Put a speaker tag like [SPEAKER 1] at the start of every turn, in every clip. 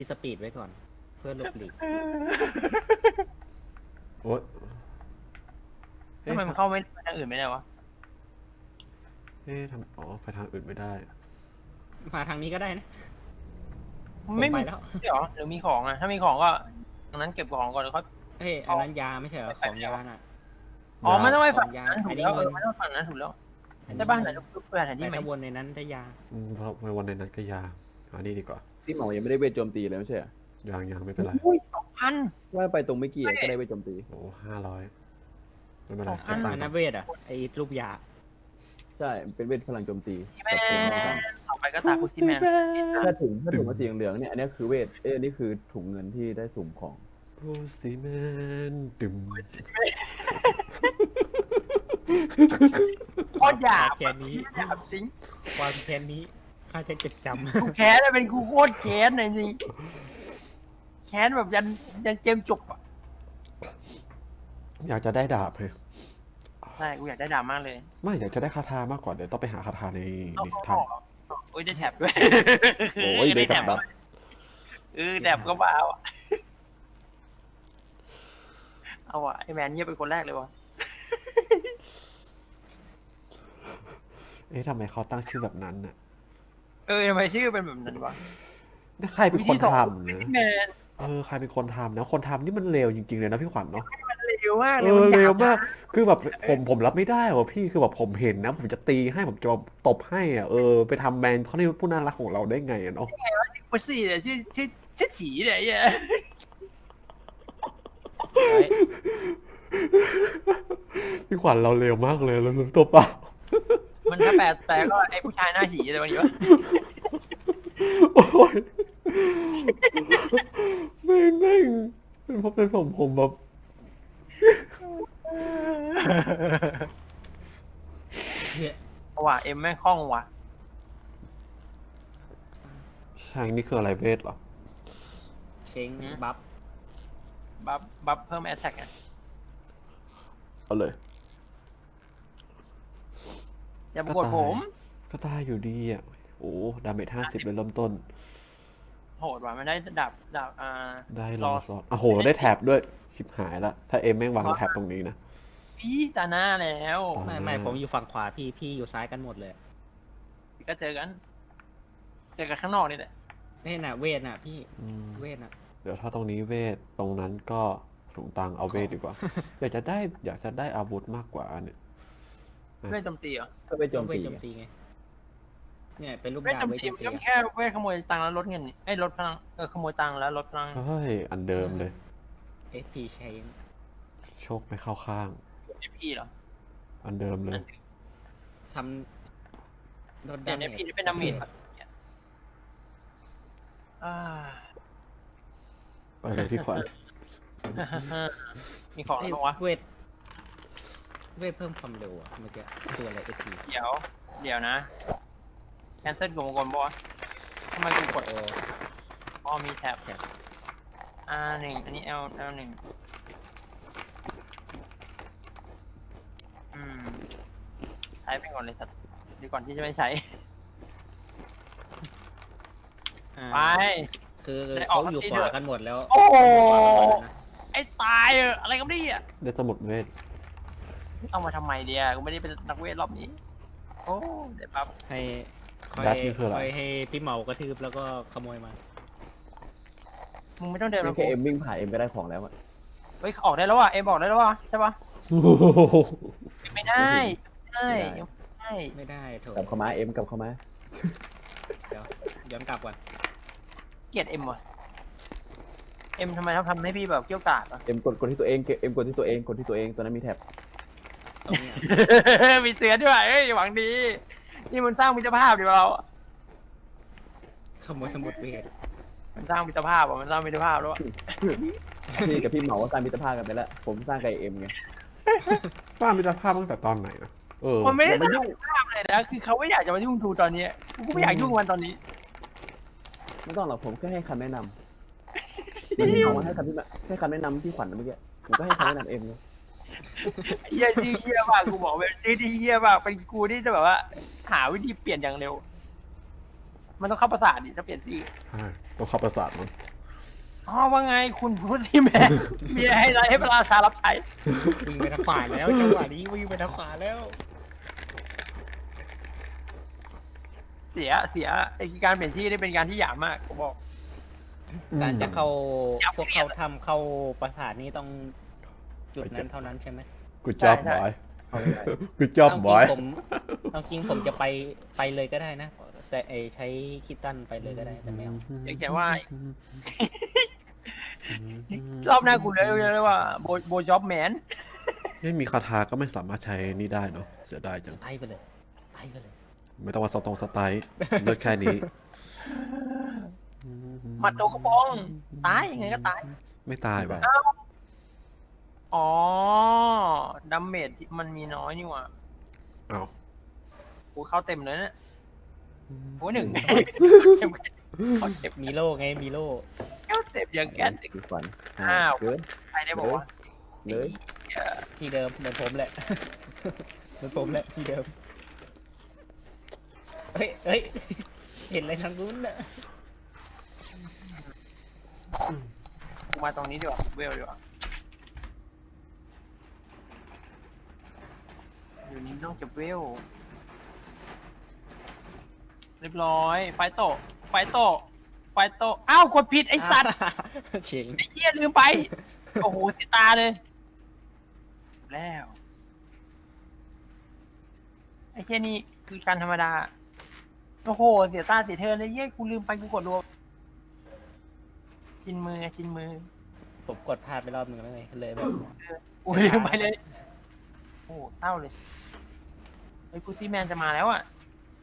[SPEAKER 1] สปีดไว้ก่อน เพื่อหลบหลีก
[SPEAKER 2] โอ๊ย
[SPEAKER 3] ทำไมมันเข้าไม่ไปทางอื่นไม่ได้วะ
[SPEAKER 2] อ๋อไปทางอื่นไม่ได้
[SPEAKER 1] มาทางนี้ก็ได้นะ
[SPEAKER 3] ไม่
[SPEAKER 1] ผม
[SPEAKER 3] มี
[SPEAKER 1] ไปแล้ว
[SPEAKER 3] เหรอหรือมีของอ่ะถ้ามีของก็ตรงนั้นเก็บของก่อนแล้วค่อย
[SPEAKER 1] เฮ้ยอันนั้นยาไม่ใช่เหรอของยาน่ะ
[SPEAKER 3] อ๋อมันต้องไปฝั่ง
[SPEAKER 1] ยา
[SPEAKER 3] นั้นถู
[SPEAKER 1] อั
[SPEAKER 3] ก
[SPEAKER 1] นนี้
[SPEAKER 3] แล้ว
[SPEAKER 1] เงิน
[SPEAKER 3] มันต้องฝั่งนั้นถูกแล้วใช่ป่ะไหนลูกเพื่อนแผน
[SPEAKER 1] ไป
[SPEAKER 3] ที่ไหม
[SPEAKER 1] ถ้าวนในนั้นได้ยา
[SPEAKER 2] เพราะในวันในนั้นก็ยานี่ดีกว่า
[SPEAKER 4] ที่หมอยังไม่ได้เวทโจมตีเลยไม่ใช่เหรอ
[SPEAKER 2] ยังไม่เป็นไร
[SPEAKER 3] อุ้ย2,000
[SPEAKER 4] ว่าไปตรงเมื่อกี้ก็ได้เวทโจมตี
[SPEAKER 2] โอ้500ไม่เป็นไร
[SPEAKER 3] 2,000
[SPEAKER 2] เก็บตัง
[SPEAKER 1] อัน
[SPEAKER 2] ค์
[SPEAKER 1] นั้นเวทอ่ะไอ้รูปยา
[SPEAKER 4] ใช่เป็นเวทพลังโจมตี
[SPEAKER 3] แม่ต่อไปก็ตาคุซิแมน
[SPEAKER 4] ถ้าถุงมันสีเหลืองเนี่ยอันนี้คือเวทอันนี้คือถุงเงินที่ได้สุ่มของ
[SPEAKER 2] โอ้ซีแมนตึม
[SPEAKER 3] โคตรหยาบ
[SPEAKER 1] แค่นี้
[SPEAKER 3] หยาบจริง
[SPEAKER 1] ความแค้นนี้ข้าจะจดจ
[SPEAKER 3] กูแค้นเลยเป็นกูโคตรแค้นเลยจริงแค้นแบบยันเกมจบอ่ะ
[SPEAKER 2] อยากจะได้ดาบเลย
[SPEAKER 3] ใช่กูอยากได้ดาบมากเลย
[SPEAKER 2] ไม่อยากจะได้คาถามากกว่าเดี๋ยวต้องไปหาคาถาในทาง
[SPEAKER 3] โอ้ยได้แท็บด้วย
[SPEAKER 2] โอ้ยได้กับดัก
[SPEAKER 3] แท็บก็บ้าอ่ะเอาอ่ะไอแมนเงียบเป็นคนแรกเลยวะ
[SPEAKER 2] ทำไมเขาตั้งชื่อแบบนั้นน่ะ
[SPEAKER 3] ทำไมชื่อเป็นแบบนั้นวะ
[SPEAKER 2] ใครเป็นคนทำ
[SPEAKER 3] วิธี
[SPEAKER 2] นะ
[SPEAKER 3] แมน
[SPEAKER 2] ใครเป็นคนทำนะคนทำนี่มันเลวจริงๆเลยนะพี่ขวัญเนาะ
[SPEAKER 3] เร็วมากเลยมันห
[SPEAKER 2] เร็
[SPEAKER 3] ยาว บ
[SPEAKER 2] มาก คือแบบผมรับไม่ได้ว่ะพี่ คือแบบผมเห็นนะ ผมจะตีให้ผมจะตบให้อ่ะ ไปทำแบรนด์เขาในผู้น่ารักของเราได้ไงอ่ะเนาะ
[SPEAKER 3] 不是的ชื่อฉีเลยไอ้เหี้ย
[SPEAKER 2] พี่ขวัญเราเร็วมากเลยเรารู้ตัวเปล่า
[SPEAKER 3] มันถ้าแปลก็ไอ้ผู้ชายหน้าฉีอะไรวะนี่วะ
[SPEAKER 2] โอ้ยแม่งเป็นผมแบบ
[SPEAKER 1] ำ
[SPEAKER 3] ว่ะเอ็มแม่งคล่องว่ะ
[SPEAKER 2] ใช่นี่คืออะไรเวทเหรอ
[SPEAKER 1] เช้งบัฟ
[SPEAKER 3] บัฟเพิ่มแอตแทกอ่ะ
[SPEAKER 2] เอาเลย
[SPEAKER 3] อย่าปวดผม
[SPEAKER 2] ก็ได้อยู่ดีอ่ะ โอ้ดาเมจ50เลยเริ่มต้น
[SPEAKER 3] โหดว่ะมันได้ดาบ
[SPEAKER 2] ได้ลองซอสโอ้โห ได้แท็บด้วย ชิบหายละ ถ้าแม่งวางแท็บตรงนี้นะ
[SPEAKER 3] พี่ตาหน้าแล้ว
[SPEAKER 1] ไม่ผมอยู่ฝั่งขวาพี่อยู่ซ้ายกันหมดเลย
[SPEAKER 3] ก็เจอกันข้างนอกนี่แหละ
[SPEAKER 1] นี่น่ะเวทน่ะพี่ เวทน่ะ
[SPEAKER 2] เดี๋ยวถ้าตรงนี้เวท ตรงนั้นก็ถุงตังเอาเวทดีกว่า อยากจะได้อาวุธมากกว่าเนี่ย
[SPEAKER 3] เวทโจมตีเหรอ
[SPEAKER 4] ก็เวทโจม
[SPEAKER 1] เวท
[SPEAKER 4] ตี
[SPEAKER 1] โจมตีไง เนี่ยเป็นรูป
[SPEAKER 3] เวท
[SPEAKER 1] ยา
[SPEAKER 3] โจม
[SPEAKER 1] เวท
[SPEAKER 3] ตี
[SPEAKER 1] โจม
[SPEAKER 3] มัน
[SPEAKER 1] ตี
[SPEAKER 3] ก็แค่เวทขโมยตังค์แล้วลดเงินนี่ลดพลังขโมยตังค์แล้วลดพลัง
[SPEAKER 2] เฮ้ย อันเดิมเลย
[SPEAKER 1] เอสพีเชง
[SPEAKER 2] โชคไม่เข้าข้าง
[SPEAKER 3] พี่เหรอ
[SPEAKER 2] อันเดิมเลย
[SPEAKER 1] ทำลด
[SPEAKER 3] เดี๋
[SPEAKER 1] ดา
[SPEAKER 3] ยว
[SPEAKER 1] เม
[SPEAKER 3] เนี่ย
[SPEAKER 1] จ
[SPEAKER 3] พี่เป็นดาเมจอ่า
[SPEAKER 2] ไปเลยพี่ขวัญ
[SPEAKER 3] มีของอะไรบ้างวะ
[SPEAKER 1] เวทเพิ่มความเร็วอะเมื่อกี้ตัวอะไรเอสพี
[SPEAKER 3] เดี๋ยวนะแคนเซิลกลมๆปะวะทำไมกูกดมีแท็บหนึ่งอันนี้ L หนึ่งใช้ไปก่อนเลยสัตว์ดีก่อนที่จะไม่ใช้ ไป
[SPEAKER 1] คือ
[SPEAKER 3] ได้ออ
[SPEAKER 1] เขา
[SPEAKER 3] ก
[SPEAKER 1] อยู่
[SPEAKER 3] ที
[SPEAKER 1] ข
[SPEAKER 3] เถ
[SPEAKER 1] วา
[SPEAKER 3] อะ
[SPEAKER 1] กันหมดแล้ว
[SPEAKER 3] โอ้โห
[SPEAKER 1] นะ
[SPEAKER 3] ไอ้ตายอะไรกันเนี่ย
[SPEAKER 2] ได้สมุดเวท
[SPEAKER 3] เอามาทำไมเดียกูไม่ได้เป็นนักเวทรอบนี้ โอ้เดี๋ยวปั๊บ
[SPEAKER 1] ให้คอย
[SPEAKER 2] ดัตนี่คืออะไร
[SPEAKER 1] คอยให้พี่เหมากระทืบแล้วก็ขโมยมา
[SPEAKER 3] มึงไม่ต้องเดิน
[SPEAKER 4] ไม่
[SPEAKER 3] มา
[SPEAKER 4] แค่เอ็มวิ่งผ่านเอ็มก็ได้ของแล้วอะ
[SPEAKER 3] เฮ้ยออกได้แล้วว่ะเอ็มออกได้แล้วว่ะใช่ปะไม่ได้ยังไม่ได้
[SPEAKER 1] ไม่ได้โถ
[SPEAKER 4] กลับเข้ามาเอ็มกลับเข้ามา
[SPEAKER 1] เดี๋ยวย้อนกลับก่อน
[SPEAKER 3] เกลียดเอ็มว่ะเอ็มทำไมทำให้พี่แบบเกี้ยวกาดอ่ะ
[SPEAKER 4] เอ็มกดที่ตัวเองเอ็มกดที่ตัวเองตัวนั้นมีแท็บ
[SPEAKER 1] ตรงเนี้ย
[SPEAKER 3] มีเตือนด้วยเอ้ยหวังดี นี่มันสร้างมิตรภาพดีกว่าเรา
[SPEAKER 1] ขโมยสมุดเวท
[SPEAKER 3] มันสร้างมิตรภาพอ่ะมันสร้างมิตรภาพแล้วอะ
[SPEAKER 4] พี่กับพี่เหมาก็สร้างมิตรภาพกันไปแล้วผมสร้างกับเอ็มไง
[SPEAKER 2] ป้ามิตรภาพตั้งแต่ตอนไหนนะ
[SPEAKER 3] มันไม่ได้สร้างมิตรภาพเลยนะคือเขาไม่อยากจะมายุ่งทูตอนนี้กูก็ไม่อยากยุ่งกับมันตอนนี้
[SPEAKER 4] ไม่ต้องหรอกผมแค่ให้คำแนะนำพี่เหมาให้คำแนะนำพี่ขวัญเมื่อกี้ผมก็ให้คำแนะนำเอ็มไง
[SPEAKER 3] เฮียที่เฮียมากกูบอกเป็นที่เฮียมากเป็นกูที่จะแบบว่า หาวิธีเปลี่ยนอย่างเร็ว มันต้องเข้าประสาทดิถ้าเปลี่ยนชื่อ
[SPEAKER 2] ใช่ต้องเข้าประสาทมัน
[SPEAKER 3] อ๋อว่าไงคุณพูดที่แม่มีอะไรให้พระราชารับใช้
[SPEAKER 1] วิ่งไปทางขวาแล้วจังหวะนี้วิ่งไปทางขวาแล้ว
[SPEAKER 3] เสียไอ้การเปลี่ยนชื่อได้เป็นการที่หยาบมากผมบอก
[SPEAKER 1] การจะเข้า
[SPEAKER 3] ยับ
[SPEAKER 1] พวกเขาทำเข้าปราสาทนี้ต้องจุดนั้นเท่านั้นใช่ไหม
[SPEAKER 2] กูจอบ
[SPEAKER 3] ใช่
[SPEAKER 2] บอย
[SPEAKER 4] เอาไม่ได้
[SPEAKER 2] กูจอบอย
[SPEAKER 1] เอาจริงผมจะไปเลยก็ได้นะ แต่ใช้คิดตันไปเลยก็ได้แต่ไม่เอา
[SPEAKER 3] อย่างเขียนว่า รอบหน้ากูเลยว่าโบจ็อบแมน
[SPEAKER 2] ไม่มีคาถาก็ไม่สามารถใช้นี่ได้เนาะเสียดายจัง
[SPEAKER 1] ไปไปเลยไปเลย
[SPEAKER 2] ไม่ต้องมาสไตล์เลือกแค่นี้
[SPEAKER 3] หมัดโตกระปองตายยังไงก็ตาย
[SPEAKER 2] ไม่ตายว่ะ
[SPEAKER 3] อ๋อดัมเมจมันมีน้อยนี่หว่า
[SPEAKER 2] อ้าว
[SPEAKER 3] กูเข้าเต็มเลยเนี่ยโอ้หนึ่งเขาเจ็บ
[SPEAKER 1] มีโล่ไงมีโล่
[SPEAKER 3] เข้าเต็มอย่างแก๊ส
[SPEAKER 4] คือฝัน
[SPEAKER 3] อ้าว
[SPEAKER 4] เกิน
[SPEAKER 3] ใครได้บอกว่า
[SPEAKER 4] เลย
[SPEAKER 1] ที่เดิมเหมือนผมแหละ เหมือนผมแหละที่เดิมเฮ้ยเห็นอะไรทางนู้นน่ะ
[SPEAKER 3] กูมาตรงนี้ดีกว่าเวลดีกว่าอยู่นี้ต้องเก็บเวลเรียบร้อยไฟโตอ้าวกดผิดไอ้สัตว์
[SPEAKER 1] เฉียง
[SPEAKER 3] ไอ้เหี้ยลืมไป โอ้โหเสียตาเลย แล้วไอ้เหี้ยนี่คือการธรรมดา โอ้โหเสียตาเสียเธอเลยเหี้ยกูลืมไปกูกดรัวชินมือ
[SPEAKER 1] ผมกดพลาดไปรอบนึงแล้วไงเลยแบบ
[SPEAKER 3] กูลืมไปเลย โอ้โหเศร้าเลยไอ้กูซี่แมนจะมาแล้วอ่ะ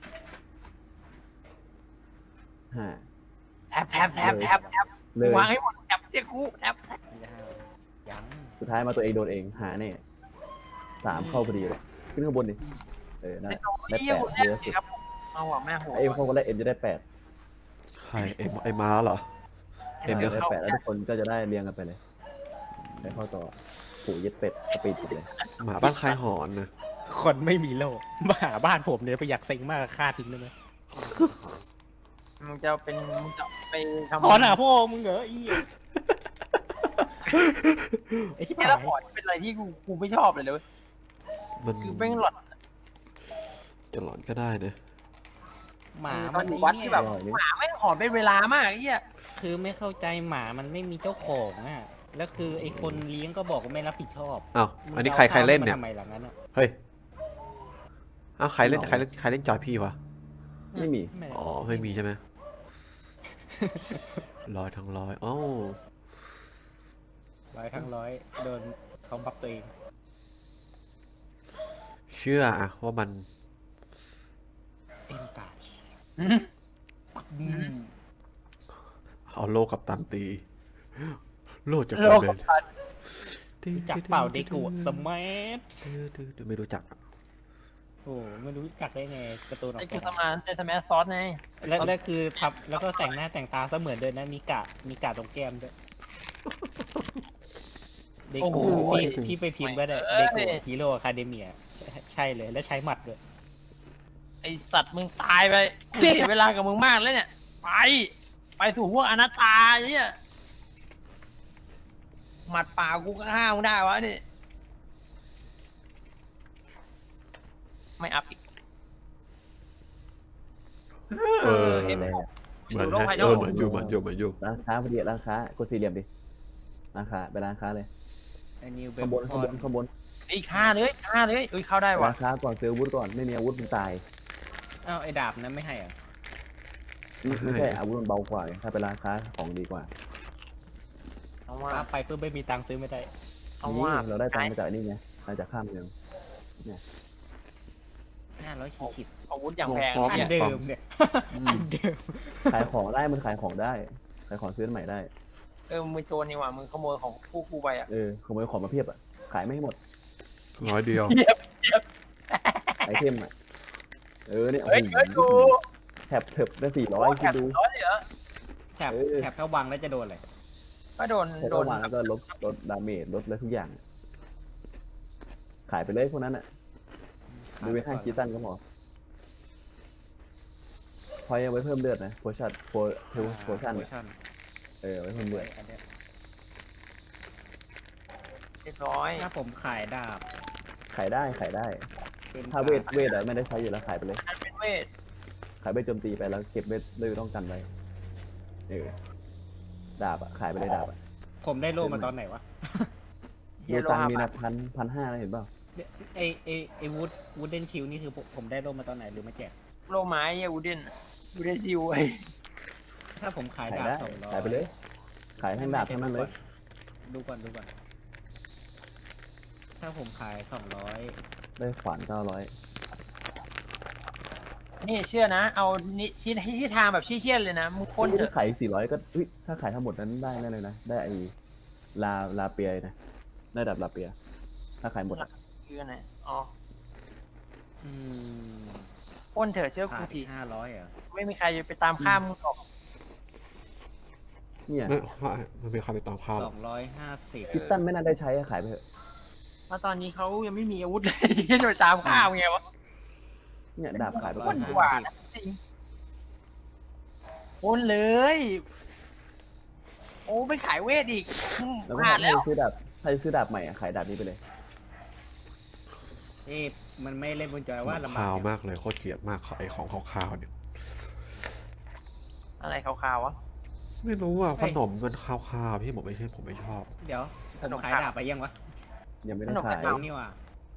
[SPEAKER 4] ห้า
[SPEAKER 3] แทบ
[SPEAKER 4] เลย
[SPEAKER 3] วางให้หมดแทบเสียกูแทบ
[SPEAKER 1] ยัง
[SPEAKER 4] สุดท้ายมาตัวเองโดนเองหาเนี่ย3เข้าพอดีเลยขึ้นข้างบนดินั่น
[SPEAKER 3] ใน
[SPEAKER 4] แหละ
[SPEAKER 3] ตัว
[SPEAKER 4] ได้
[SPEAKER 3] เหี้ย
[SPEAKER 4] 8
[SPEAKER 3] กูแท
[SPEAKER 4] เย
[SPEAKER 3] บ
[SPEAKER 4] อะสุด
[SPEAKER 3] ครับเอาอ่ะแม่โห
[SPEAKER 4] เอ็มเข้าคนแรกเอ็มจะได้8
[SPEAKER 2] ใครไอ้ม้าเหรอ เอ็ม
[SPEAKER 4] ได้
[SPEAKER 2] จะ
[SPEAKER 4] 8แล้วทุกคนก็จะได้เรียงกันไปเลยไปเข้าต่อปู่เย็ดเป็ดสปีดสุดเลย
[SPEAKER 2] หมาบ้านใครหอนนะ
[SPEAKER 1] คนไม่มีโล่มาหาบ้านผมเนี่ยไปอยากเซ็งมากฆ่าทิ้งได้ไหม
[SPEAKER 3] มึงจะไปทำ
[SPEAKER 1] หอนหาพ่อมึงเหรออีไอ้ที่
[SPEAKER 3] แค่
[SPEAKER 1] ผ่า
[SPEAKER 3] ละ
[SPEAKER 1] น
[SPEAKER 3] พอร์ตเป็นอะไรที่กูไม่ชอบเลยเว้ย
[SPEAKER 2] มัน
[SPEAKER 3] คือแม่งหลอด
[SPEAKER 2] จะหลอนก็ได้นะ
[SPEAKER 1] หมา
[SPEAKER 3] ตอ
[SPEAKER 1] มัน น
[SPEAKER 3] อยู่วัดที่แบบ
[SPEAKER 4] อร่อยนี่
[SPEAKER 3] หมาแม่งหอนเป็นเวลามากไอ้เหี้ย
[SPEAKER 1] คือไม่เข้าใจหมามันไม่มีเจ้าของอ่ะแล้วคือไอ้คนเลี้ยงก็บอกว่าไม่รับผิดชอบ
[SPEAKER 2] อ้าวอันนี้ใครเล่นเนี่ย
[SPEAKER 1] ทำไมหลังนั้นอ่ะ
[SPEAKER 2] เฮ้ยอ้าวใครเล่นจอยพี่วะ
[SPEAKER 4] ไม่มี
[SPEAKER 1] ไม่
[SPEAKER 2] อ๋อไม่มีใช่ไหมร้อยทั้งร้อยอ้าว
[SPEAKER 1] 100 โดนเขาบัฟตัวเอง
[SPEAKER 2] เชื่ออะว่ามัน
[SPEAKER 1] เอ็นตา
[SPEAKER 2] เอาโลกับตันตี โลจาก
[SPEAKER 3] โลก
[SPEAKER 2] เบ
[SPEAKER 3] กับ
[SPEAKER 2] น
[SPEAKER 3] พัน
[SPEAKER 1] จักเปล่าเด็กกูสมัท
[SPEAKER 2] ไม่รู้จักอะ
[SPEAKER 1] โอ้ไม่รู้จักได้ไงการ์ตูนออ
[SPEAKER 3] ไอ้
[SPEAKER 1] ก
[SPEAKER 3] คือ
[SPEAKER 1] แบ
[SPEAKER 3] ส
[SPEAKER 1] บ
[SPEAKER 3] มานในสมัยซอสไง
[SPEAKER 1] แล้วคือทับแล้วก็แต่งหน้าแต่งตาเสมือนเดินนะมีกะตรงแก้มด้วยเด็กกูพี่ไปพิมพ์ไว้เลยเด็กกูฮีโร่อะคาเดเมียใช่เลยแล้วใช้หมัดด้วย
[SPEAKER 3] ไอสัตว์มึงตายไปกูเสียเวลากับมึงมากแล้วเนี่ย ไปสู่พวกอนัตตาเนี่ยหมัดป่ากูก็ห้ามมึงได้วะนี่ไม่อัพอีก
[SPEAKER 2] เออ
[SPEAKER 3] เห็น
[SPEAKER 4] อะไร
[SPEAKER 3] ไหม
[SPEAKER 4] อะ
[SPEAKER 2] เหมือน
[SPEAKER 3] ดูโลก
[SPEAKER 2] ให้
[SPEAKER 3] ภายน
[SPEAKER 2] เอ
[SPEAKER 3] อ
[SPEAKER 2] อก เหมือนอยู่
[SPEAKER 4] ร้านค้าพอดีร้านค้ากดสี่เหลี่ยมดิร้านค้าไปร้านค้าเลย
[SPEAKER 1] ไอ้นิวเบ
[SPEAKER 4] ข้างบนข้างบนข้างบน
[SPEAKER 3] ไอ้ฆ่าเลยเอ้ยเข้าได้
[SPEAKER 4] ร้า
[SPEAKER 3] ว่ะ
[SPEAKER 4] นค้าก่อนซื้ออาวุธก่อนไม่มีอาวุธมึงตาย
[SPEAKER 1] อ้าวไอ้ดาบนั้นไม่ให้อ่ะ
[SPEAKER 4] ไม่ใช่อาวุธมันเบากว่าไงถ้าเป็นร้านค้าของดีกว่า
[SPEAKER 3] เอาว่า
[SPEAKER 1] ไปเพื่อไม่มีตังค์ซื้อไม่ได้
[SPEAKER 3] เอา
[SPEAKER 4] นี่
[SPEAKER 3] ว่า
[SPEAKER 4] เราได้ตังค์มาจากนี่ไงมาจากข้ามเมือง
[SPEAKER 1] 500ขีด
[SPEAKER 3] อาวุธอย่างแพง
[SPEAKER 1] อัน
[SPEAKER 3] เนี่ย
[SPEAKER 1] เดิมเนี่ยอันเดิม
[SPEAKER 4] ขายของได้มันขายของได้ขายของซื้อใหม่ได้
[SPEAKER 3] มึงโจรนี่หว่ามึงขโมยของพวกกูไปอ่ะ
[SPEAKER 4] ขโมยของมาเพียบอ่ะขายไม่ให้หมด
[SPEAKER 2] ร้อยเดียว
[SPEAKER 4] ไอเทมอ่ะเนี่ย
[SPEAKER 3] เฮ้ยกู
[SPEAKER 4] แถบเถิบได้400
[SPEAKER 3] แถ
[SPEAKER 4] คิด
[SPEAKER 3] บ
[SPEAKER 4] ดู
[SPEAKER 3] ร้อยเลยเหรอ
[SPEAKER 1] แถบถ้าวางแล้วจะโดนอะไร
[SPEAKER 3] ก็โดน
[SPEAKER 4] แค่เข้ามาแล้วก็ลดดาเมจลดอะไรทุกอย่าง ขายไปเลยพวกนั้นอ่ะดูไปให้คีตันก็พอพอยังไว้เพิ่มเลือดนะโพชั่นโพชั่น
[SPEAKER 1] โพชั่น
[SPEAKER 4] ไว้คนเบื่อ
[SPEAKER 1] อันเนี้ย
[SPEAKER 3] เรียบร้อย
[SPEAKER 1] ถ้าผมขายดาบ
[SPEAKER 4] ขายได้
[SPEAKER 1] เป็น
[SPEAKER 4] ถ้าเวทอะไม่ได้ใช้อยู่แล้วขายไปเลย
[SPEAKER 3] อันเป็นเวท
[SPEAKER 4] ขายเวทโจมตีไปแล้วเก็บเวทเลยต้องกันไว้ดาบอะขายไปเลยดาบอะ
[SPEAKER 1] ผมได้โล่มาตอนไหนวะ
[SPEAKER 3] เฮี
[SPEAKER 4] ดู
[SPEAKER 3] ยโล
[SPEAKER 4] ตัง
[SPEAKER 3] หะ
[SPEAKER 4] ค์มี
[SPEAKER 3] บา
[SPEAKER 4] นะ
[SPEAKER 3] ท
[SPEAKER 4] 1,500นะเห็นเปล่า
[SPEAKER 1] ไอวูดเดนชิลนี่คือผมได้โล่มาตอนไหนหรือมาแจก
[SPEAKER 3] โลไม้เฮียวูเดนซิวไอ้
[SPEAKER 1] ถ้าผมขาย
[SPEAKER 4] ขาย
[SPEAKER 1] ดาบ
[SPEAKER 4] ได้
[SPEAKER 1] 200
[SPEAKER 4] ขายไปเลย ขายทั้งดาบทั้งนั้นเลย
[SPEAKER 1] ดูก่อนถ้าผมขาย200
[SPEAKER 4] ได้ขวาน900
[SPEAKER 3] นี่เชื่อนะ เอานี่ที่ทางแบบชี้เชี่ยนเลยนะมึงพ่นเถ
[SPEAKER 4] ถ้า
[SPEAKER 3] อะ
[SPEAKER 4] ขาย400ก็ถ้าขายทั้งหมดนั้นได้แน่เลยนะได้ไอ้ลาเปียนะได้ดาบลาเปีย ถ้าขายหมดอะ
[SPEAKER 3] คืออันไหนอ๋อ
[SPEAKER 1] อืม
[SPEAKER 3] พ่นเถอะเชื่อ
[SPEAKER 1] ขา
[SPEAKER 3] กู
[SPEAKER 1] ด
[SPEAKER 3] ที
[SPEAKER 1] 500เหรอ
[SPEAKER 3] ไม่มีใครไปตามข้ามมึงหรอก
[SPEAKER 4] เนี่ย
[SPEAKER 2] มันมีใครไปตามข้าว
[SPEAKER 1] 250
[SPEAKER 4] คิตตันไม่น่าได้ใช้อะขายไปเถอะ
[SPEAKER 3] เพราะตอนนี้เขายังไม่มีอาวุธเลย ที่จะไปตามข้ามไงวะ
[SPEAKER 4] เนี่ยดาบขายไป
[SPEAKER 3] พ่
[SPEAKER 4] ก่อน น
[SPEAKER 3] ดีกว่านะจริงพ่นเลย โอ้ไม่ขายเวทอีก
[SPEAKER 4] แล้ว
[SPEAKER 3] พ
[SPEAKER 4] ก็
[SPEAKER 3] ลาด
[SPEAKER 4] ใคร
[SPEAKER 3] แล้ว
[SPEAKER 4] ซื้อดาบใหม่อะขายดาบนี้ไปเลย
[SPEAKER 1] เอ๊ะมันไม่เล่นบนจอยว่าลำบา
[SPEAKER 2] ขาว
[SPEAKER 1] ก
[SPEAKER 2] มากเลยโคตรเกลียดมากไอของขาวๆเนี่ย
[SPEAKER 3] อะไรขาวๆวะ
[SPEAKER 2] ไม่รู้อ่ะขนมมันขาวๆพี่ผมไม่ชอบ
[SPEAKER 1] เดี๋ยวผมขายดาบไปยังวะ
[SPEAKER 4] ยังไม่ได้
[SPEAKER 3] ขนม
[SPEAKER 4] ขาย
[SPEAKER 3] ขาว
[SPEAKER 1] นี่ว่ะ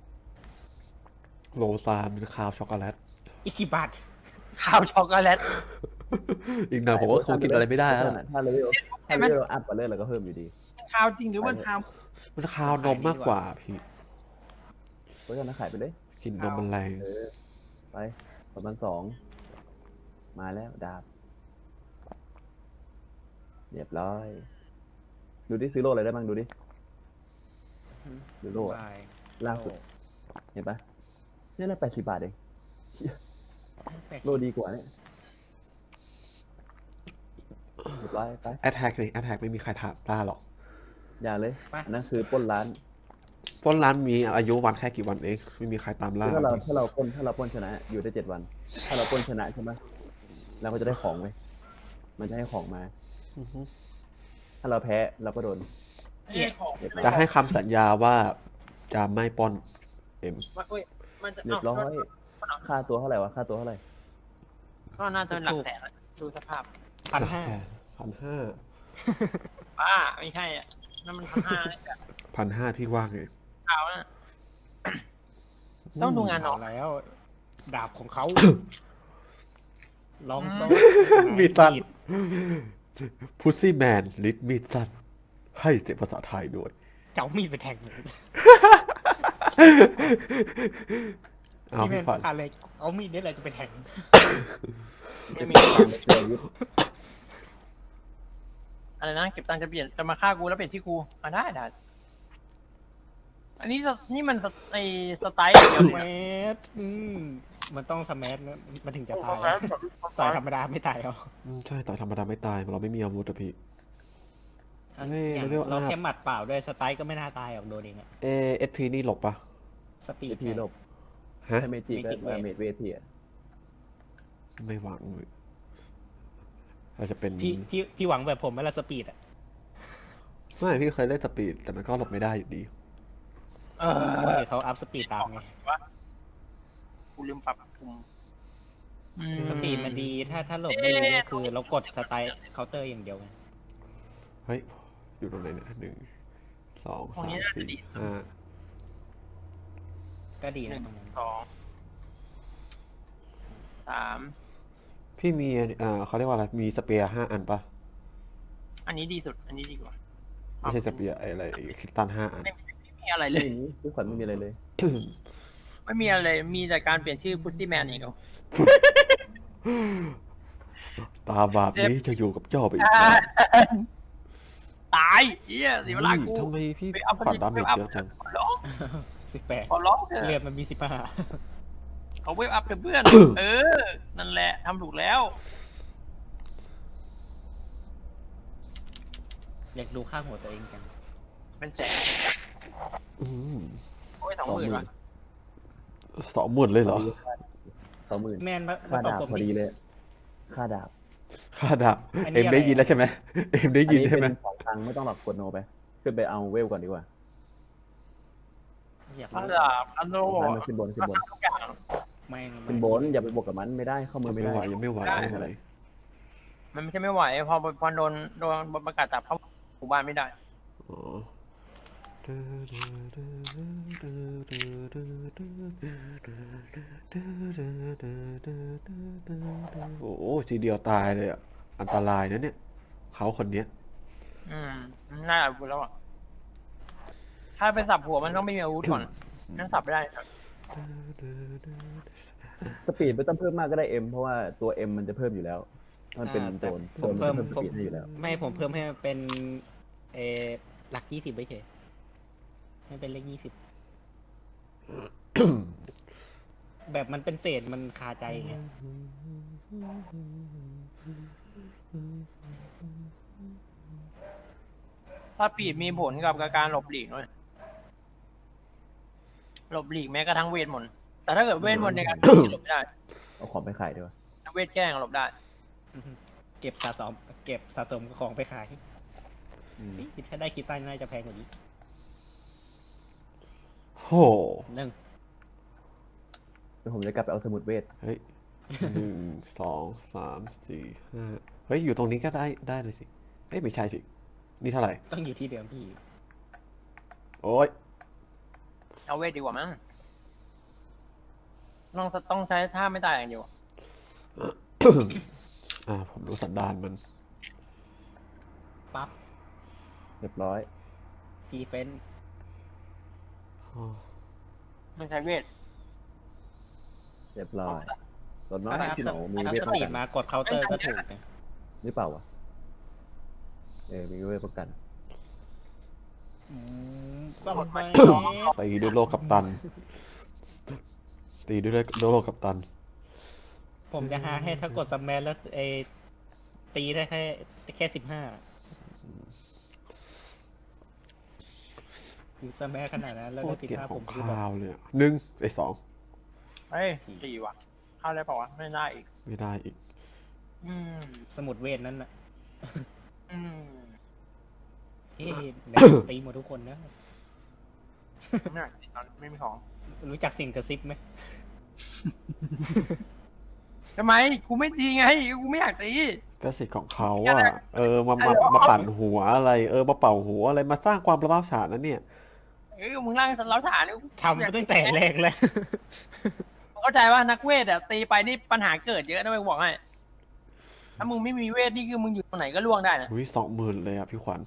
[SPEAKER 2] โรซานเป็นคาวช็อกโกแลต
[SPEAKER 1] อีก10 บาท
[SPEAKER 3] ขาวช็อกโกแลต
[SPEAKER 2] อีกหน่อยผมก็คงกินอะไรไม่ได้แล้วล่ะ
[SPEAKER 4] ถ้าเลเวลอัพกว่าเลยเราก็เพิ่มอยู่ดี
[SPEAKER 3] มันขาวจริงหรือมันขาว
[SPEAKER 2] มันคาวนมมากกว่าพี่
[SPEAKER 4] เพราะฉะนั้นขายไปเลย
[SPEAKER 2] กลินนมมันแรง
[SPEAKER 4] ไป2,200มาแล้วดาบเรียบร้อย ดูดิซื้อโลอะไรได้บ้างดูดิดูโลอะ
[SPEAKER 1] บาย
[SPEAKER 4] ล่าสุด เห็นปะเนี่ยน่า80 บาทเอง
[SPEAKER 1] 80
[SPEAKER 4] โลดีกว่าเนี่ยเรียบร้อยไป
[SPEAKER 2] แอทแทกเลยแอทแทกไม่มีใครถามต้าหรอก
[SPEAKER 4] อย่าเลยอันนั้นคือปล้นร้าน
[SPEAKER 2] ปล้นร้านมีอายุวันแค่กี่วันเองไม่มีใครตามล่า
[SPEAKER 4] ถ้าเราปล้นชนะ อยู่ได้7 วัน ถ้าเราปล้นชนะใช่ไหมเราก็จะได้ของไว้มันจะให้ของมา
[SPEAKER 2] อือฮึ
[SPEAKER 4] ถ้าเราแพ้เราก็โดน
[SPEAKER 3] เนี่ยของ
[SPEAKER 2] จะให้คำสัญญาว่าจะไม่ปล้นเอ็ม
[SPEAKER 3] มันจะ
[SPEAKER 4] เรียบร้อยค่าตัวเท่าไหร่วะค่าตัวเท่าไหร่
[SPEAKER 3] ก็น่าจะเป็นหลักแสนอะดูสภาพ
[SPEAKER 1] 1,500
[SPEAKER 2] 1,500
[SPEAKER 3] ป้าไม่ใช่อ่ะนั่นมัน1,500เลยจ้ะ
[SPEAKER 2] 1,500พี่ว่าไง
[SPEAKER 3] ขาวน่ะ ต้องดูงานน้อง
[SPEAKER 1] แล้ว ดาบของเขา ลองโซ่
[SPEAKER 2] มีตันพุซซี่แมนลิดมีดสั้นให้เสียงภาษาไทยด้วย
[SPEAKER 1] เจ้ามีดไปแทง
[SPEAKER 2] เอา
[SPEAKER 1] ที่เป็
[SPEAKER 2] พี่
[SPEAKER 1] น
[SPEAKER 2] ขวัญ
[SPEAKER 1] อะไรเอามีดนี่แหละจะไปแทง
[SPEAKER 3] ไม่มี
[SPEAKER 4] เจอยุทธ
[SPEAKER 3] อะไรนะเก็บตังค์จะมาฆ่ากูแล้วเปลี่ยนชื่อกูได้อันนี้นี่มันไอสไตล์เดียว
[SPEAKER 1] แม
[SPEAKER 3] เลยนะ
[SPEAKER 1] สมันต้องสแมันะมันถึงจะตายต่อยธรรมดาไม่ตายหรอก
[SPEAKER 2] ใช่ต่อยธรรมดาไม่ตายเราไม่มีอาวุธอะพี่
[SPEAKER 1] อย่าง
[SPEAKER 2] เร็วๆ
[SPEAKER 1] เราแค่หมัดเปล่าด้วยสไตล์ก็ไม่น่าตายหรอกโดนเองอะ
[SPEAKER 2] เอสพีนี่หลบปะ
[SPEAKER 1] สปีด
[SPEAKER 4] ทีลบ
[SPEAKER 2] ฮะ
[SPEAKER 4] ใช่เมจิก็มาเมจเวทีอะ
[SPEAKER 2] ไม่หวังเลยอาจจะเป็น
[SPEAKER 1] พี่หวังแบบผมไหมล่ะสปีดอะ
[SPEAKER 2] ไม่พี่เคยเล่นสปีดแต่มันก็หลบไม่ได้อยู่ดี
[SPEAKER 1] เขาอัพสปีดตามไง
[SPEAKER 3] กูลืมปรับปุ่ม
[SPEAKER 1] สปีดมันดีถ้าหลบไม่ดีก็คือเรากดสไตล์เคาน์เตอร์อย่างเดียวไง
[SPEAKER 2] เฮ้ยอยู่ตรงไหนเนี่ย1 2 3 4 5
[SPEAKER 1] ก็ดีนะตรงนั้น
[SPEAKER 3] 2 3
[SPEAKER 2] พี่มีเขาเรียกว่าอะไรมีสเปียร์5 อันปะ
[SPEAKER 3] อันนี้ดีสุด อันนี้ดีกว่า
[SPEAKER 2] ไม่ใช่สเปียร์อะไรคิตตัน5 อัน
[SPEAKER 3] ไม่มีอะไรเล
[SPEAKER 4] ไม่
[SPEAKER 3] ย
[SPEAKER 4] มีทุกคนไม่มีอะไรเลย
[SPEAKER 3] ไม่มีอะไรมีแต่การเปลี่ยนชื่อพุซซี่แมนอีกแล้ว
[SPEAKER 2] ตาบาปนี้จะอยู่กับเจ้าไปอีกนาน
[SPEAKER 3] ตายเหี้ยสิเวลากู
[SPEAKER 2] ทำไมพี่
[SPEAKER 3] ไปเอา
[SPEAKER 2] ขวัญดาเมจเยอะจัง
[SPEAKER 3] ขอร้อง
[SPEAKER 1] 18
[SPEAKER 3] ขอร้องเถ
[SPEAKER 1] เรีย
[SPEAKER 3] อะ
[SPEAKER 1] นมันมี15
[SPEAKER 3] เขาเวฟอัพเถอะเพื่อน นั่นแหละทำถูกแล้ว
[SPEAKER 1] อยากดูข้างหัวตัวเองจัง
[SPEAKER 3] เป็นแสน
[SPEAKER 2] อืม
[SPEAKER 3] โอ้ย20,000ว่ะ
[SPEAKER 2] 20,000เลยเหรอ
[SPEAKER 4] 20,000
[SPEAKER 1] แมนมา
[SPEAKER 4] ค่า
[SPEAKER 1] ตอบ
[SPEAKER 4] ดาบ
[SPEAKER 1] ผม
[SPEAKER 4] พอ
[SPEAKER 1] ดิ
[SPEAKER 4] ดีเลย ค่าดาบ
[SPEAKER 2] ค่าดับ
[SPEAKER 1] อันนี้
[SPEAKER 2] เอ็มได้
[SPEAKER 1] อะไร
[SPEAKER 2] ยินแล้วใช่ไหมเอ็มได้
[SPEAKER 4] อัน
[SPEAKER 2] ยิน
[SPEAKER 4] นี้
[SPEAKER 2] ใช่ไหม
[SPEAKER 4] เป็นของตังค์ไม่ต้องหรอกกดโนไปขึ้นไปเอาเวลก่อนดีกว่า
[SPEAKER 1] อยาก
[SPEAKER 3] อัน
[SPEAKER 1] รู้
[SPEAKER 3] ดับอันโล
[SPEAKER 4] มันขึ้นบนขึ้นบน
[SPEAKER 3] ทุกอย่าง
[SPEAKER 1] แม่ง
[SPEAKER 4] ขึ้นบนอย่าไปบวกกับมันไม่ได้เข้ามือไม่
[SPEAKER 2] ไม่
[SPEAKER 4] ได้
[SPEAKER 2] ไหวยังไม่ไหว
[SPEAKER 3] ได้
[SPEAKER 2] ไม่ไหว
[SPEAKER 3] มันไม่ใช่ไม่ไหวพอโดนประกาศจับเข้าหมู่บ้านไม่ได้
[SPEAKER 2] อ๋อโอ้โหทีเดียวตายเลยอ่ะอันตรายนะเนี่ยเขาคนเนี้ย
[SPEAKER 3] น่าจะพูดแล้วอ่ะถ้าไปสับหัวมันต้องไม่มีอาวุธก่อนนั่นสับไม่ได้ครับ
[SPEAKER 4] สปีดไม่ต้องเพิ่มมากก็ได้เอ็มเพราะว่าตัวเอ็มมันจะเพิ่มอยู่แล้วมันเป็นโจร
[SPEAKER 1] ผม
[SPEAKER 4] โจ
[SPEAKER 1] เพิ่
[SPEAKER 4] ร
[SPEAKER 1] ม
[SPEAKER 4] มันจะ
[SPEAKER 1] ผม
[SPEAKER 4] เพิ่มสปีดให้อยู่แล้ว
[SPEAKER 1] ไม่ผมเพิ่มให้มันเป็นเออหลัก20ไปเฉยให้เป็นเลข20 แบบมันเป็นเศษมันคาใจไง
[SPEAKER 3] ถ้าปีดมีผลกับการหลบหลีกด้วยหลบหลีกแม้กระทั่งเวทมนต์แต่ถ้าเกิดเวทมนต์ในการหลบไม่ได้
[SPEAKER 4] เอาของไปขายดีกว่า
[SPEAKER 3] ถ้าเวทแกล้งหลบได้
[SPEAKER 1] เก็บสะสมของไปขายคิดถ้าได้คิดตั้งน่าจะแพงกว่านี้
[SPEAKER 2] โห
[SPEAKER 1] หนึ่ง
[SPEAKER 4] เดี๋ยวผมจะกลับไปเอาสมุดเวท
[SPEAKER 2] เฮ้ย1 2 3 4 5เฮ้ยอยู่ตรงนี้ก็ได้เลยสิเอ้ยไม่ใช่สินี่เท่าไหร่
[SPEAKER 1] ต้องอยู่ที่เดิมพี่
[SPEAKER 2] โอ้ย
[SPEAKER 3] เอาเวทดีกว่ามั้งต้องใช้ท่าไม่ตายอย่างเดียว
[SPEAKER 2] ผมดูสันดานมัน
[SPEAKER 1] ปั๊บ
[SPEAKER 4] เรียบร้อย
[SPEAKER 1] ดีเฟน
[SPEAKER 2] อ๋อ
[SPEAKER 3] มันใช้เวท
[SPEAKER 4] เรียบร้อยรถน้อย
[SPEAKER 1] ถ้าอัพ
[SPEAKER 4] ที่หนอมี
[SPEAKER 1] อัพ
[SPEAKER 4] เวท
[SPEAKER 1] ส
[SPEAKER 4] ป้อง
[SPEAKER 1] ปีด
[SPEAKER 4] กัน
[SPEAKER 1] มากดเคาน์เตอร์ก็ถูกนะ
[SPEAKER 4] หรือเปล่าวะมีเวทป้องกัน
[SPEAKER 1] สมไป
[SPEAKER 2] ตีด้วยโลกัปตัน ตีด้วยโลกัปตัน
[SPEAKER 1] ผมจะหาให้ถ้ากดสแมนแล้วตีได้แค่15คือสแมนขนาดนั้นแล้ว
[SPEAKER 2] โค
[SPEAKER 1] ได้
[SPEAKER 2] ตรเกลียด
[SPEAKER 1] 15
[SPEAKER 2] ข
[SPEAKER 1] ผ
[SPEAKER 2] อง
[SPEAKER 1] มคือแบบ
[SPEAKER 2] ข้าวเลยอะหนึ่งไอ้สอง
[SPEAKER 3] เฮ้ยตีว่ะเข้าได้เปล่าวะไม่ได้อีก
[SPEAKER 2] ไม่ได้อีก
[SPEAKER 3] อืม
[SPEAKER 1] สมุดเวทนั้นน่ะ
[SPEAKER 3] อืม
[SPEAKER 1] เฮ้ยตีหมดทุกคนนะ
[SPEAKER 3] ไม่อยากตีตอนไม่มีของ
[SPEAKER 1] รู้จักสิ่งกระซิบไหม
[SPEAKER 3] ทำไมกูไม่ตีไงกูไม่อยากตี
[SPEAKER 2] ก็สิทธิ์ของเขาอะมาปั่นหัวอะไร มาเป่าหัวอะไรมาสร้างความประหลาดฉานนั้นเนี่ย
[SPEAKER 3] มึงร่างเล้าฉานเนี่ย
[SPEAKER 1] ทำตั้งแต่แรกแล้ว
[SPEAKER 3] เข้าใจว่านักเวทอะตีไปนี่ปัญหาเกิดเยอะนะไปบอกให้ถ้ามึงไม่มีเวทนี่คือมึงอยู่ตรงไหนก็ล่วงได้นะ
[SPEAKER 2] อุ้ย20,000เลยอะพี่ขวัญ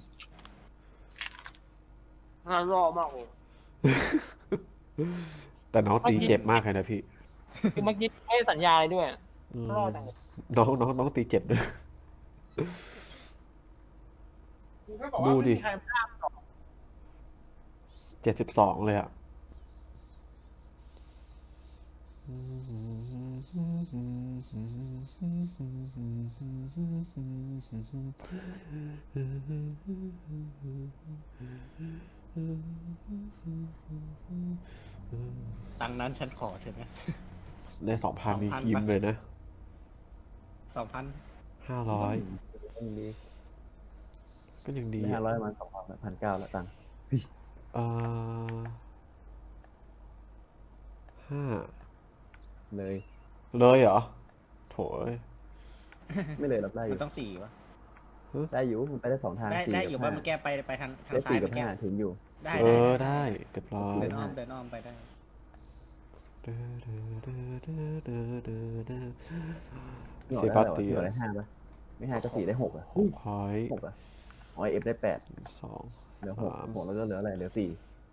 [SPEAKER 3] น่ารอมากเลย
[SPEAKER 2] แต่น้องตีเจ็บมากเลยนะพี่
[SPEAKER 3] คือเมื่อกี้ไม่ได้สัญญาอะไรด้วย
[SPEAKER 2] อืม
[SPEAKER 3] รอดจังเลย
[SPEAKER 2] น้องตีเจ็บด้วย
[SPEAKER 3] กูก็บอกว่า
[SPEAKER 2] ดูดิ
[SPEAKER 3] ไม่มีใครพลาดหรอก
[SPEAKER 2] 72เลยอะ
[SPEAKER 1] ตังค์นั้นฉันขอเถอะนะ
[SPEAKER 2] ได้2,000นี่
[SPEAKER 1] 2,000
[SPEAKER 2] ยิ้มเลยนะ
[SPEAKER 1] 2,000
[SPEAKER 2] 500
[SPEAKER 4] ยังดี
[SPEAKER 2] ก็ยังดี
[SPEAKER 4] ได้
[SPEAKER 2] อะ
[SPEAKER 4] 500มา2,900แล้วตังค์
[SPEAKER 2] เอ่อ5
[SPEAKER 4] เลย
[SPEAKER 2] เลยเหรอโถย
[SPEAKER 4] ไม่เลยหรอกได้อ
[SPEAKER 1] มัน
[SPEAKER 4] ยู่
[SPEAKER 1] ต้อง4วะ
[SPEAKER 4] ได้อยู่มันไปได้2ทาง
[SPEAKER 1] ได้
[SPEAKER 4] 4
[SPEAKER 1] ได้
[SPEAKER 4] กับ
[SPEAKER 1] อยู่ว่า
[SPEAKER 4] 5
[SPEAKER 1] มันแก้ไปทาง
[SPEAKER 4] ได้
[SPEAKER 1] ซ้าย
[SPEAKER 4] 4กับ
[SPEAKER 1] มันแก้
[SPEAKER 4] 5ถึงอยู่
[SPEAKER 1] ได้
[SPEAKER 2] ได้เรียบร้อย
[SPEAKER 1] เดินอ้อมไปได้
[SPEAKER 2] เซบาสเตีย
[SPEAKER 4] เหลื
[SPEAKER 2] น
[SPEAKER 4] อได้5ป่ะไม่5ก็4ได้6อ่ะ
[SPEAKER 2] พอย
[SPEAKER 4] 6อ่ะอ๋อเอฟได้8
[SPEAKER 2] 2
[SPEAKER 4] เหลือ6แล้วก็เหลืออะไรเหลือ4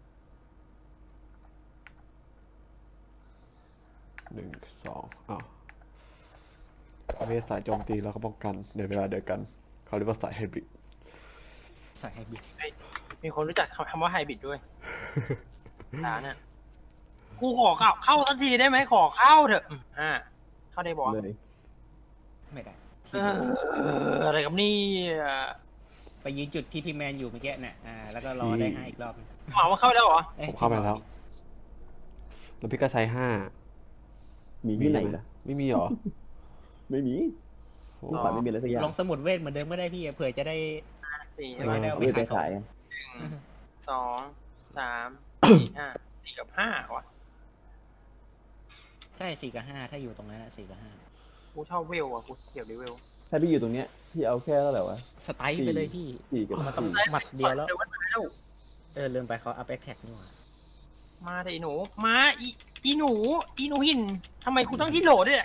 [SPEAKER 2] 1 2อ้าวเวทสายโจมตีแล้วก็ป้องกันในเวลาเดียวกัน เขาเรียกว่าสายไฮบริด
[SPEAKER 1] ใส่ให้บิด
[SPEAKER 3] มีคนรู้จักคำว่าไฮบริดด้วยฐานเนี่ยกูขอเข้าสักทีได้ไหมขอเข้าเถอะเข้าได้บอก
[SPEAKER 4] เลย
[SPEAKER 1] ไม่ได้
[SPEAKER 3] อะไรกับนี่
[SPEAKER 1] ไปยืนจุดที่พี่แมนอยู่เมื่อกี้เนี่ยแล้วก็รอได้5อีกรอบ
[SPEAKER 3] หมอมาเข้าไปแล้วเหรอ
[SPEAKER 2] ผมเข้าไปแล้ว แล้วพี่ก็ใช้5
[SPEAKER 4] มีที่ไหนล่ะ
[SPEAKER 2] ไม่มีเหรอ
[SPEAKER 4] ไม่มีพี่ขวัญไม่มีอะไรสักอย่าง
[SPEAKER 1] ลองสมุดเวทเหมือนเดิมก็ได้พี่เผื่อจะได้
[SPEAKER 3] สี่
[SPEAKER 1] เออ
[SPEAKER 4] เอาไปขาย
[SPEAKER 3] สองสามสี่ห้าสี่กับห้าวะ
[SPEAKER 1] ใช่4 กับ 5ถ้าอยู่ตรงนั้นอะ4 กับ
[SPEAKER 3] กูชอบเวลอ่ะกูเกี่ยวดิเวล
[SPEAKER 4] ถ้าพี่อยู่ตรงเนี้ยพี่เอาแค่เท่าไหร่วะ
[SPEAKER 1] 5สไตล์ไปเลยพี่
[SPEAKER 4] 4กับ
[SPEAKER 1] มันต้อง
[SPEAKER 4] 4
[SPEAKER 1] หมัดเดียวแล้ว
[SPEAKER 3] ดี๋ว่าตายแล้ว
[SPEAKER 1] ลืมไปเขาอัพแอคแท็กนี่หว่า
[SPEAKER 3] มาแต่อีหนูมาอีหนูหินทำไมกูต้องที่โหลด้วยเนี่ย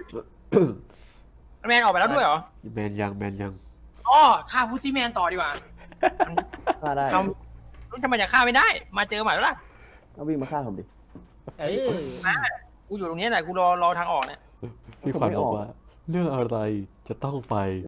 [SPEAKER 3] แมนออกไปแล้วด้วยเหรอ
[SPEAKER 2] แมนยัง
[SPEAKER 3] อ๋อฆ่าฟูซี่แมนต่อดีกว่า
[SPEAKER 4] ฆ่าได้
[SPEAKER 3] ทำไมจะฆ่าไม่ได้ มาเจอใหม่แล้วล่ะ
[SPEAKER 4] เอาวิ่งมาฆ่าผมดิ
[SPEAKER 3] กูอยู่ตรงนี้แหละกูรอทางออกเนี่ย
[SPEAKER 2] พี่ขวัญบอกว่า เรื่องอะไรจะต้องไป